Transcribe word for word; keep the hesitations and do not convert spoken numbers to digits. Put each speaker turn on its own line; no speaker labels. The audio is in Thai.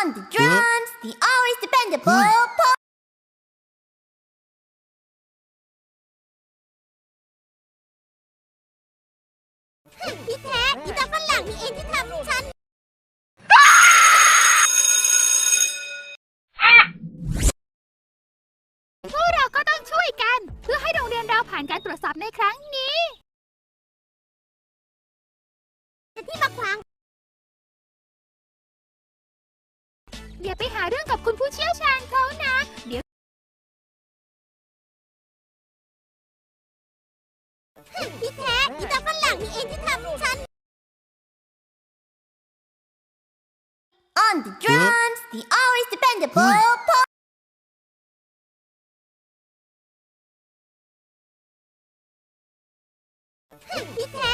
On the drums, the always dependable Paul. ที่แท้อีตาฝรั่งนี่เองที่ทำฉัน
พวกเราก็ต้องช่วยกันเพื่อให้โรงเรียนเราผ่านการตรวจสอบในครั้งนี้
ที่มาขวาง
อย่าไปหาเรื่องกับคุณผู้เชี่ยวชาญเขานะเดี๋ยว
ที่แท้อีตาฝรั่งนี่เองที่ทำฉัน On the drums, the always dependable Paul. ที่แท้